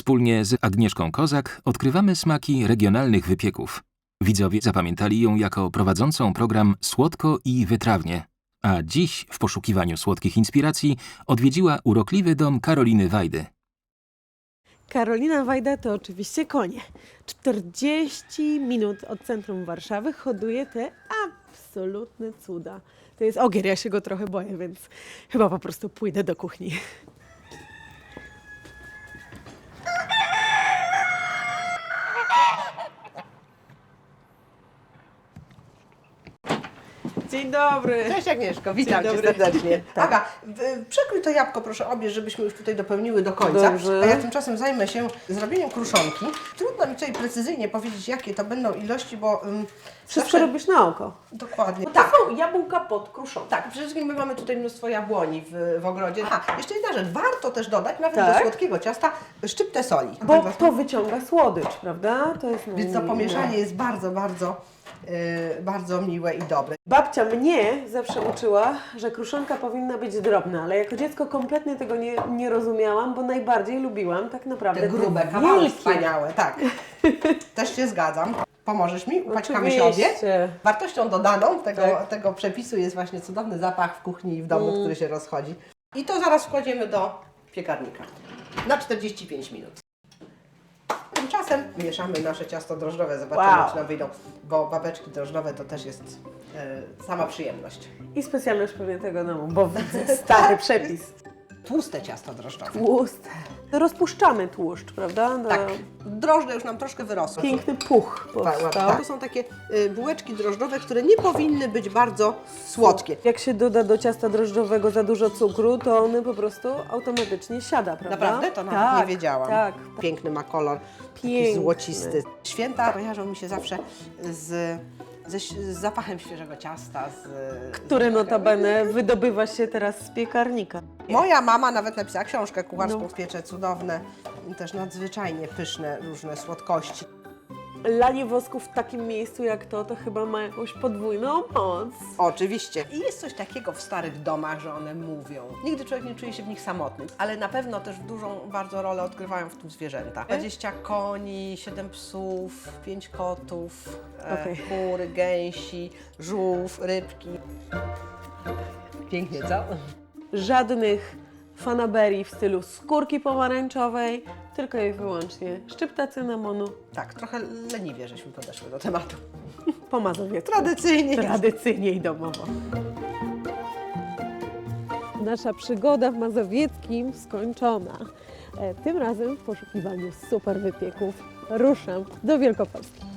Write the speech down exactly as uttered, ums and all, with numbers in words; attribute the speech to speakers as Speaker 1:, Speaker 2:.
Speaker 1: Wspólnie z Agnieszką Kozak odkrywamy smaki regionalnych wypieków. Widzowie zapamiętali ją jako prowadzącą program Słodko i wytrawnie. A dziś w poszukiwaniu słodkich inspiracji odwiedziła urokliwy dom Karoliny Wajdy.
Speaker 2: Karolina Wajda to oczywiście konie. czterdzieści minut od centrum Warszawy hoduje te absolutne cuda. To jest ogier, ja się go trochę boję, więc chyba po prostu pójdę do kuchni. Dzień dobry.
Speaker 3: Cześć Agnieszko, witam
Speaker 2: Dzień
Speaker 3: Cię
Speaker 2: dobry.
Speaker 3: serdecznie.
Speaker 2: Tak.
Speaker 3: Aga, w- przekrój to jabłko proszę obie, żebyśmy już tutaj dopełniły do końca.
Speaker 2: Dobrze.
Speaker 3: A ja tymczasem zajmę się zrobieniem kruszonki. Trudno mi tutaj precyzyjnie powiedzieć, jakie to będą ilości, bo... Um,
Speaker 2: Wszystko robisz na oko.
Speaker 3: Dokładnie.
Speaker 2: Bo to
Speaker 3: Tak.
Speaker 2: są jabłka pod kruszonką.
Speaker 3: Tak, przede wszystkim my mamy tutaj mnóstwo jabłoni w, w ogrodzie. A, jeszcze jedna rzecz, warto też dodać, nawet
Speaker 2: Tak.
Speaker 3: do słodkiego ciasta, szczyptę soli.
Speaker 2: Bo to wyciąga słodycz, prawda? To jest
Speaker 3: Więc to pomieszanie jest bardzo, bardzo, yy, bardzo miłe i dobre.
Speaker 2: Babcia mnie zawsze uczyła, że kruszonka powinna być drobna, ale jako dziecko kompletnie tego nie, nie rozumiałam, bo najbardziej lubiłam tak naprawdę
Speaker 3: Te grube,
Speaker 2: te
Speaker 3: kawały
Speaker 2: wielkie.
Speaker 3: wspaniałe, tak. Też się zgadzam. Pomożesz mi? Upaćkamy się obie.
Speaker 2: Oczywiście.
Speaker 3: Wartością dodaną tego,
Speaker 2: Tak.
Speaker 3: tego przepisu jest właśnie cudowny zapach w kuchni i w domu,
Speaker 2: Mm.
Speaker 3: który się rozchodzi. I to zaraz wkładziemy do piekarnika na czterdzieści pięć minut. Tymczasem mieszamy nasze ciasto drożdżowe, zobaczymy,
Speaker 2: Wow.
Speaker 3: czy nam wyjdą, bo babeczki drożdżowe to też jest e, sama przyjemność.
Speaker 2: I specjalność pewnie tego domu, bo widzę stary przepis.
Speaker 3: Tłuste ciasto drożdżowe.
Speaker 2: Tłuste. Rozpuszczamy tłuszcz, prawda? Do...
Speaker 3: Tak, drożdże już nam troszkę wyrosły.
Speaker 2: Piękny puch powstał.
Speaker 3: Tak, to są takie y, bułeczki drożdżowe, które nie powinny być bardzo słodkie.
Speaker 2: Jak się doda do ciasta drożdżowego za dużo cukru, to one po prostu automatycznie siada, prawda?
Speaker 3: Naprawdę? To nawet
Speaker 2: tak,
Speaker 3: nie wiedziałam.
Speaker 2: Tak.
Speaker 3: Piękny ma kolor, taki
Speaker 2: Piękny.
Speaker 3: złocisty. Święta kojarzą mi się zawsze z, ze, z zapachem świeżego ciasta. Z,
Speaker 2: Który
Speaker 3: z
Speaker 2: notabene wydobywa się teraz z piekarnika.
Speaker 3: Moja mama nawet napisała książkę kucharską,
Speaker 2: No.
Speaker 3: piecze cudowne, też nadzwyczajnie pyszne różne słodkości.
Speaker 2: Lanie wosku w takim miejscu jak to, to chyba ma jakąś podwójną moc.
Speaker 3: Oczywiście. I jest coś takiego w starych domach, że one mówią. Nigdy człowiek nie czuje się w nich samotny, ale na pewno też dużą bardzo rolę odgrywają w tym zwierzęta. dwadzieścia koni, siedem psów, pięć kotów,
Speaker 2: Okej.
Speaker 3: e, kury, gęsi, żółw, rybki. Pięknie, co?
Speaker 2: Żadnych fanaberii w stylu skórki pomarańczowej, tylko i wyłącznie szczypta cynamonu
Speaker 3: Tak, trochę leniwie żeśmy podeszły do tematu.
Speaker 2: po mazowiecku.
Speaker 3: Tradycyjnie.
Speaker 2: Tradycyjnie i domowo. Nasza przygoda w Mazowieckim skończona. E, Tym razem w poszukiwaniu super wypieków ruszam do Wielkopolski.